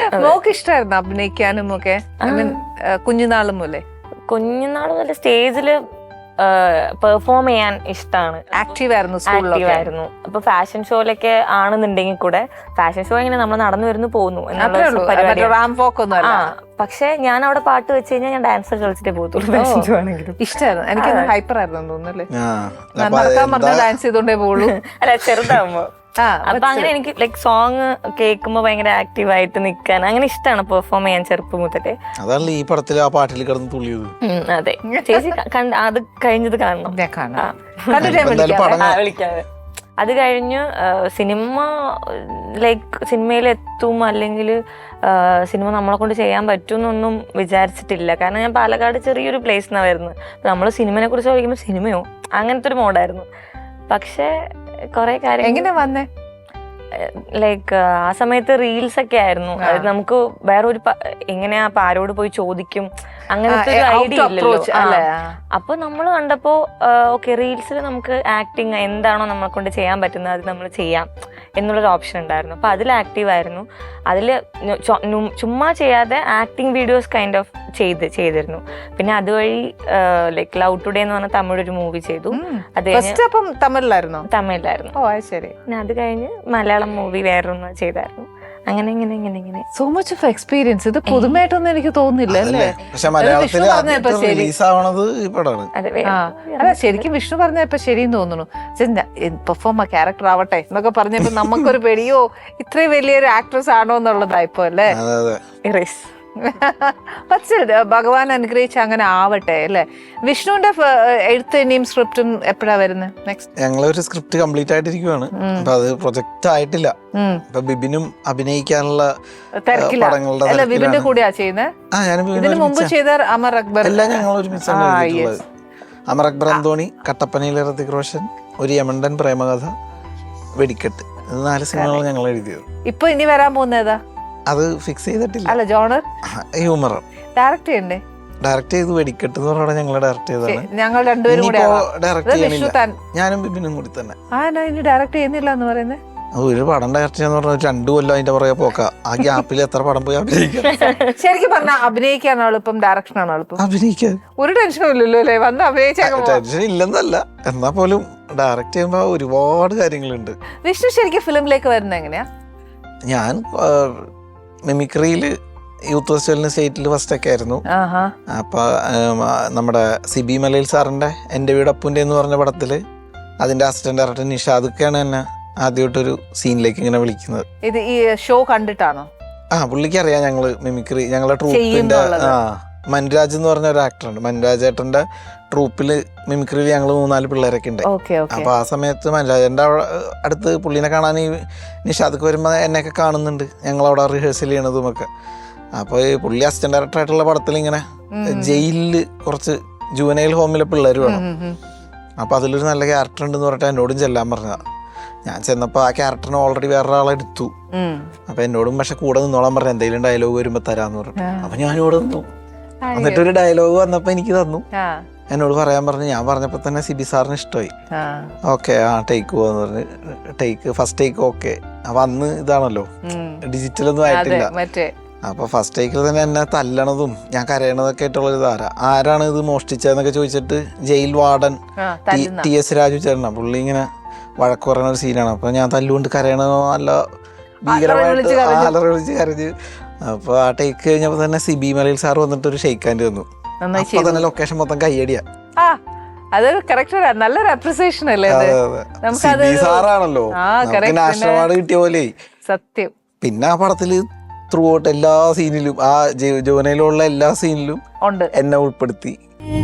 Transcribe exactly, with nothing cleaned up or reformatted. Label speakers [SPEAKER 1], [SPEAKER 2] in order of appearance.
[SPEAKER 1] Mock ഇഷ്ടമായിരുന്നു അഭിനയിക്കാനും ഒക്കെ? കുഞ്ഞുനാളും പോലെ
[SPEAKER 2] കുഞ്ഞുനാൾ മുതൽ സ്റ്റേജില് പെർഫോം ചെയ്യാൻ ഇഷ്ടമാണ്.
[SPEAKER 1] ആക്റ്റീവ് ആയിരുന്നു,
[SPEAKER 2] ആക്റ്റീവ് ആയിരുന്നു. അപ്പൊ ഫാഷൻ ഷോയിലൊക്കെ ആണെന്നുണ്ടെങ്കിൽ കൂടെ ഫാഷൻ ഷോ ഇങ്ങനെ നമ്മൾ നടന്നു വരുന്നു പോകുന്നു എന്നുള്ള. പക്ഷെ ഞാൻ അവിടെ പാട്ട് വെച്ച് കഴിഞ്ഞാൽ ഞാൻ ഡാൻസ് കളിച്ചിട്ടേ പോകത്തുള്ളൂ. ഫാഷൻ ഷോ ആണെങ്കിലും
[SPEAKER 1] ഇഷ്ടമായിരുന്നു. എനിക്ക് ഹൈപ്പർ ആയിരുന്നു തോന്നുന്നല്ലേ, നടക്കാൻ പറഞ്ഞ ഡാൻസ് ചെയ്തോണ്ടേ പോകുള്ളൂ.
[SPEAKER 2] അല്ല ചെറുതാവുമ്പോ. അപ്പൊ അങ്ങനെ എനിക്ക് ലൈക് സോങ് കേൾക്കുമ്പോ ഭയങ്കര ആക്റ്റീവ് ആയിട്ട് നിക്കാൻ അങ്ങനെ ഇഷ്ടമാണ് പെർഫോം ചെയ്യാൻ ചെറുപ്പം മുതലേ.
[SPEAKER 3] അതല്ല ഈ പടത്തിൽ ആ പാട്ടിൽ കിടന്ന് തുള്ളിയത്.
[SPEAKER 2] അതെ ചേച്ചി അത് കഴിഞ്ഞത് കാണണം. വിളിക്കാതെ അത് കഴിഞ്ഞ് സിനിമ ലൈക്ക് സിനിമയിൽ എത്തും അല്ലെങ്കിൽ സിനിമ നമ്മളെ കൊണ്ട് ചെയ്യാൻ പറ്റുമെന്നൊന്നും വിചാരിച്ചിട്ടില്ല. കാരണം ഞാൻ പാലക്കാട് ചെറിയൊരു പ്ലേസിനാണ് വരുന്നത്. നമ്മൾ സിനിമയെ കുറിച്ച് ചോദിക്കുമ്പോൾ സിനിമയോ അങ്ങനത്തെ ഒരു മോഡായിരുന്നു. പക്ഷെ കൊറേ കാര്യം
[SPEAKER 1] എങ്ങനെ വന്നേ,
[SPEAKER 2] ലൈക്ക് ആ സമയത്ത് റീൽസ് ഒക്കെ ആയിരുന്നു. അത് നമുക്ക് വേറൊരു എങ്ങനെയാ ആരോട് പോയി ചോദിക്കും അങ്ങനത്തെ ഒരു ഐഡിയ ഇല്ലല്ലോ. അപ്പൊ നമ്മൾ കണ്ടപ്പോ ഓക്കെ റീൽസിൽ നമുക്ക് ആക്ടിങ് എന്താണോ നമ്മളെ കൊണ്ട് ചെയ്യാൻ പറ്റുന്നത് അത് നമ്മൾ ചെയ്യാം എന്നുള്ളൊരു ഓപ്ഷൻ ഉണ്ടായിരുന്നു. അപ്പൊ അതിൽ ആക്റ്റീവ് ആയിരുന്നു. അതിൽ ചുമ്മാ ചെയ്യാതെ ആക്ടിങ് വീഡിയോസ് കൈൻഡ് ഓഫ് ചെയ്ത് ചെയ്തിരുന്നു. പിന്നെ അതുവഴി ലൈക്ക് ലവ് ടുഡേ എന്ന് പറഞ്ഞ തമിഴ് ഒരു മൂവി ചെയ്തു. അത്
[SPEAKER 1] തമിഴിലായിരുന്നു
[SPEAKER 2] തമിഴിലായിരുന്നു പിന്നെ അത് കഴിഞ്ഞ് മലയാളം മൂവി വേറൊന്ന് ചെയ്തായിരുന്നു. അങ്ങനെ ഇങ്ങനെ ഇങ്ങനെ ഇങ്ങനെ
[SPEAKER 1] സോ മച്ച് ഓഫ് എക്സ്പീരിയൻസ്. ഇത് പുതുമായിട്ടൊന്നും എനിക്ക് തോന്നുന്നില്ല അല്ലേ? അല്ല ശരിക്കും വിഷ്ണു പറഞ്ഞപ്പോ ശരിയെന്ന് തോന്നുന്നു. പെർഫോം ക്യാരക്ടർ ആവട്ടെ എന്നൊക്കെ പറഞ്ഞപ്പോ നമുക്കൊരു പേടിയോ ഇത്രയും വലിയൊരു ആക്ട്രസ് ആണോ എന്നുള്ളതായിപ്പോ അല്ലേ? പക്ഷേ ഭഗവാൻ അനുഗ്രഹിച്ച് അങ്ങനെ ആവട്ടെ അല്ലേ? വിഷ്ണുവിന്റെ എഴുത്ത് ഇനിയും സ്ക്രിപ്റ്റും എപ്പോഴാ വരുന്നത്? നെക്സ്റ്റ്
[SPEAKER 3] ഞങ്ങളൊരു സ്ക്രിപ്റ്റ് കംപ്ലീറ്റ് ആയിട്ടിരിക്കുവാണ്. അപ്പൊ അത് പ്രൊജക്ട് ആയിട്ടില്ല. അപ്പൊ ബിബിനും അഭിനയിക്കാനുള്ള
[SPEAKER 1] തിരക്കില്ല. ബിബിന്റെ കൂടെയാ ചെയ്യുന്നത്? ഇതിന് മുമ്പ് ചെയ്ത അമർ അക്ബർ
[SPEAKER 3] എല്ലാം ഞങ്ങൾ ഒരുമിച്ചാണ്. അമർ അക്ബർ അന്തോണി, കട്ടപ്പനയിലെ ഋതിക് റോഷൻ, ഒരു യമണ്ടൻ പ്രേമകഥ, വെടിക്കെട്ട്, ഇത് നാല് സിനിമകൾ ഞങ്ങൾ എഴുതിയത്.
[SPEAKER 1] ഇപ്പൊ ഇനി വരാൻ പോകുന്നതാ?
[SPEAKER 3] അത് ഫിക്സ് ചെയ്തിട്ടില്ല.
[SPEAKER 1] അല്ല ജോണർ
[SPEAKER 3] ഹ്യൂമർ
[SPEAKER 1] ഡയറക്റ്റ് ചെയ്യണ്ടേ?
[SPEAKER 3] ഡയറക്റ്റ് ചെയ്ത് വെടിക്കെട്ട് എന്ന് പറഞ്ഞാൽ ഞങ്ങൾ ഡയറക്റ്റ് ചെയ്തതാണ്.
[SPEAKER 1] ഞങ്ങൾ രണ്ടുപേരും കൂടെ
[SPEAKER 3] ഡയറക്റ്റ് ചെയ്യണില്ല, ഞാനും ബിബിനും കൂടി തന്നെ.
[SPEAKER 1] ആ ഇനി ഡയറക്റ്റ് ചെയ്യുന്നില്ല എന്ന് പറയുന്നത്?
[SPEAKER 3] ഒരു പടം ഡയറക്റ്റ് ചെയ്യാന്ന് പറഞ്ഞാൽ രണ്ടു കൊല്ലം അതിന്റെ പുറകെ പോക്ക. ആ ഗ്യാപ്പിൽ എത്ര പടം പോയി അഭിനയിക്കാം.
[SPEAKER 1] ശരിക്കും പറഞ്ഞാൽ അഭിനയിക്കാനാണ് എളുപ്പം, ഡയറക്ഷൻ ആണോ എളുപ്പം?
[SPEAKER 3] അഭിനയിക്കാൻ
[SPEAKER 1] ഒരു ടെൻഷനും ഇല്ലല്ലോ അല്ലേ? വന്ന് അഭിനയിച്ചാൽ
[SPEAKER 3] ടെൻഷൻ ഇല്ലെന്നല്ല, എന്നാ പോലും ഡയറക്റ്റ് ചെയ്യുമ്പോ ഒരുപാട് കാര്യങ്ങളുണ്ട്.
[SPEAKER 1] വിഷ്ണു ശരിക്കും ഫിലിമിലേക്ക് വരുന്നത് എങ്ങനെയാ?
[SPEAKER 3] ഞാൻ മിമിക്രിയില് യൂത്ത് ഫെസ്റ്റിവലിന് സ്റ്റേറ്റിൽ ഫസ്റ്റ് ഒക്കെ ആയിരുന്നു. അപ്പൊ നമ്മുടെ സിബി മലയിൽ സാറിന്റെ എന്റെ വീട് അപ്പുന്റെ എന്ന് പറഞ്ഞ പടത്തില് അതിന്റെ അസിസ്റ്റന്റ് ഡയറക്ടർ നിഷാദൊക്കെയാണ് എന്നെ ആദ്യമായിട്ടൊരു സീനിലേക്ക് ഇങ്ങനെ വിളിക്കുന്നത്.
[SPEAKER 1] ഇത് ഈ ഷോ കണ്ടിട്ടാണോ?
[SPEAKER 3] ആ പുള്ളിക്ക് അറിയാം ഞങ്ങള് മിമിക്രി ഞങ്ങളുടെ ട്രൂപ്പിന്റെ ആ മൻരാജ് എന്ന് പറഞ്ഞ ഒരു ആക്ടറുണ്ട്. മൻരാജ് ഏട്ടന്റെ ട്രൂപ്പില് മിമിക്രിയിൽ ഞങ്ങൾ മൂന്നാല് പിള്ളേരൊക്കെ ഉണ്ട്. അപ്പൊ ആ സമയത്ത് മൻരാജന്റെ അടുത്ത് പുള്ളിനെ കാണാൻ ഈ നിഷാദൊക്കെ വരുമ്പോ എന്നെയൊക്കെ കാണുന്നുണ്ട്. ഞങ്ങളവിടെ റിഹേഴ്സൽ ചെയ്യണതും ഒക്കെ. അപ്പൊ ഈ പുള്ളി അസിസ്റ്റന്റ് ഡയറക്ടർ ആയിട്ടുള്ള പടത്തിൽ ഇങ്ങനെ ജയിലില് കുറച്ച് ജുവനൈൽ ഹോമിലെ പിള്ളേർ വേണം. അപ്പൊ അതിലൊരു നല്ല ക്യാരക്ടർ ഉണ്ടെന്ന് പറഞ്ഞിട്ട് എന്നോടും ചെല്ലാൻ പറഞ്ഞതാ. ഞാൻ ചെന്നപ്പോ ആ ക്യാരക്ടറിന് ഓൾറെഡി വേറൊരാളെ എടുത്തു. അപ്പൊ എന്നോടും പക്ഷെ കൂടെ നിന്നോളാൻ പറഞ്ഞു, എന്തെങ്കിലും ഡയലോഗ് വരുമ്പോ തരാന്ന് പറഞ്ഞു. അപ്പൊ ഞാനിവിടെ നിന്നു. എന്നിട്ടൊരു ഡയലോഗ് വന്നപ്പോ എനിക്ക് തന്നു, എന്നോട് പറയാൻ പറഞ്ഞു. ഞാൻ പറഞ്ഞപ്പോ തന്നെ സിബി സാറിന് ഇഷ്ടമായി. ഓക്കെ ആ ടേക്ക് പോവാന്ന് പറഞ്ഞ് ടേക്ക് ഫസ്റ്റ് ടേക്ക് ഓക്കെ. അപ്പൊ അന്ന് ഇതാണല്ലോ ഡിജിറ്റൽ ഒന്നും ആയിട്ടില്ല. അപ്പൊ ഫസ്റ്റ് ടേക്കിൽ തന്നെ എന്നെ തല്ലണതും ഞാൻ കരയണതൊക്കെ ആയിട്ടുള്ളൊരു ധാര. ആരാണ് ഇത് മോഷ്ടിച്ചതെന്നൊക്കെ ചോദിച്ചിട്ട് jail warden T S Raju ചേട്ടനാ, പുള്ളി ഇങ്ങനെ വഴക്ക് പറയുന്ന ഒരു സീനാണ്. അപ്പൊ ഞാൻ തല്ലുകൊണ്ട് കരയണോ നല്ല ഭീകരമായിട്ട് ആലറ വിളിച്ച് കരഞ്ഞ്. അപ്പൊ ആ ടേക്ക് കഴിഞ്ഞപ്പോ തന്നെ സിബി മലയിൽ സാർ വന്നിട്ട് ഒരു ഷെയ്ക്ക് ഹാൻഡ് തന്നു. അപ്പൊ തന്നെ ലൊക്കേഷൻ മൊത്തം കയ്യടിയാ.
[SPEAKER 1] അതൊരു കറക്റ്റ് നല്ലൊരു അപ്രിസിയേഷൻ അല്ലേ?
[SPEAKER 3] സാറാണല്ലോ നാഷണൽ അവാർഡ് കിട്ടിയ പോലെ
[SPEAKER 1] സത്യം.
[SPEAKER 3] പിന്നെ ആ പടത്തില് ത്രൂ ഔട്ട് എല്ലാ സീനിലും ആ ജോനയിലുള്ള എല്ലാ സീനിലും എന്നെ ഉൾപ്പെടുത്തി.